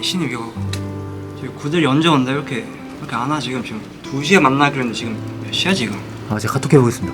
아니 신입 이거 저기 구들이 언제 온다 이렇게 안 와. 지금 2시에 만나기로 했는데 지금 몇 시야 지금? 아, 제가 카톡 해보겠습니다.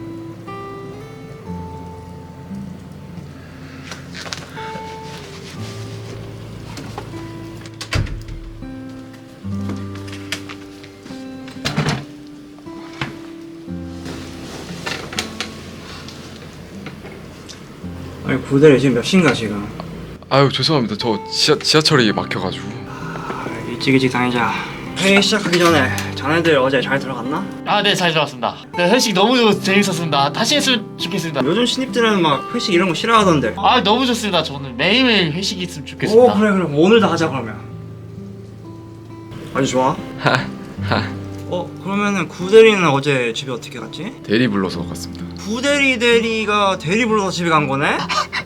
아니 구들이 지금 몇 시인가 지금? 아유 죄송합니다. 저 지하철이 막혀가지고. 일찍 다니자. 회의 시작하기 전에 자네들 어제 잘 들어갔나? 아, 네, 잘 들어갔습니다. 네, 회식 너무 재밌었습니다. 다시 했으면 좋겠습니다. 요즘 신입들은 막 회식 이런 거 싫어하던데. 아, 너무 좋습니다. 저는 매일매일 회식이 있으면 좋겠습니다. 오 그래 오늘도 하자 그러면. 아주 좋아. 그러면은 구대리는 어제 집에 어떻게 갔지? 대리 불러서 갔습니다. 구대리가 대리 불러서 집에 간 거네?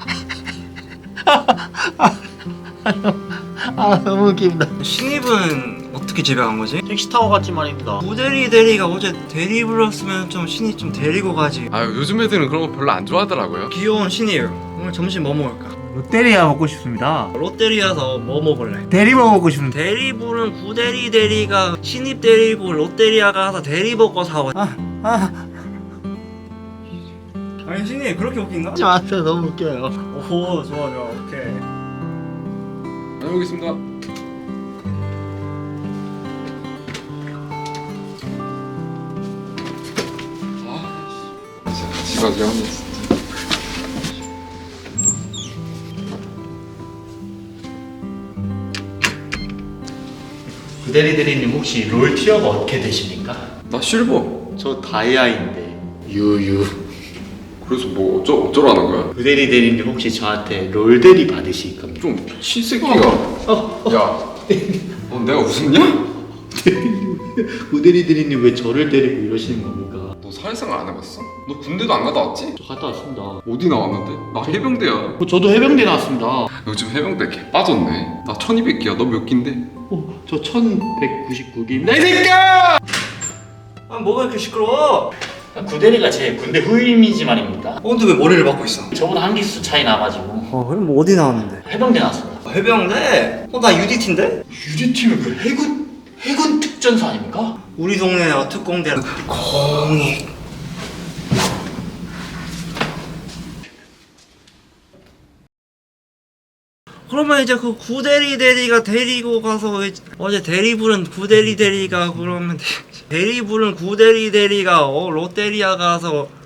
아, 너무 웃깁니다. 신입은 어떻게 집에 간 거지? 택시 타고 갔지 말입니다. 구대리가 어제 대리 불렀으면 좀 신입 좀 데리고 가지. 아유 요즘 애들은 그런 거 별로 안 좋아하더라고요. 귀여운 신입 오늘 점심 뭐 먹을까? 롯데리아 먹고 싶습니다. 롯데리아서 뭐 먹을래? 대리버 먹고 싶은데. 대리 부른 구대리가 신입 데리고 롯데리아가 가서 대리 먹고 사와. 아니 신입 그렇게 웃긴가? 하지 마세요. 너무 웃겨요. 오 좋아 오케이. 다녀오겠습니다. 같이 가지 않니 진짜. 구대리님 혹시 롤 티어가 어떻게 되십니까? 나 실버. 저 다이아인데 유유. 그래서 뭐 어쩌라는 거야? 구대리님 혹시 저한테 롤대리 받으실 겁니까? 좀 미친 새끼가. 야, 너 내가 웃었냐? 구대리님 왜 저를 때리고 이러시는 겁니까? 너 사회생활 안 해봤어? 너 군대도 안 갔다 왔지? 저 갔다 왔습니다. 어디 나왔는데? 나 해병대야. 저도 해병대 나왔습니다. 요즘 해병대 개 빠졌네. 나 1200기야. 너 몇 기인데? 저 1199기입니다. 이 새끼야! 아 뭐가 이렇게 시끄러워? 구대리가 제 군대 후임이지 말입니다. 근데 왜 머리를 박고 있어? 저보다 한 기수 차이 나가지고 그럼 뭐 어디 나왔는데? 해병대 나왔습니다. 해병대? 나 UDT인데? 유리팀은 그 해군 특전사 아닙니까? 우리 동네 특공대 공익. 그러면 이제 그 구대리가 데리고 가서 어제 대리 부른 구대리가 그러면 대리 부른 구대리가 롯데리아 가서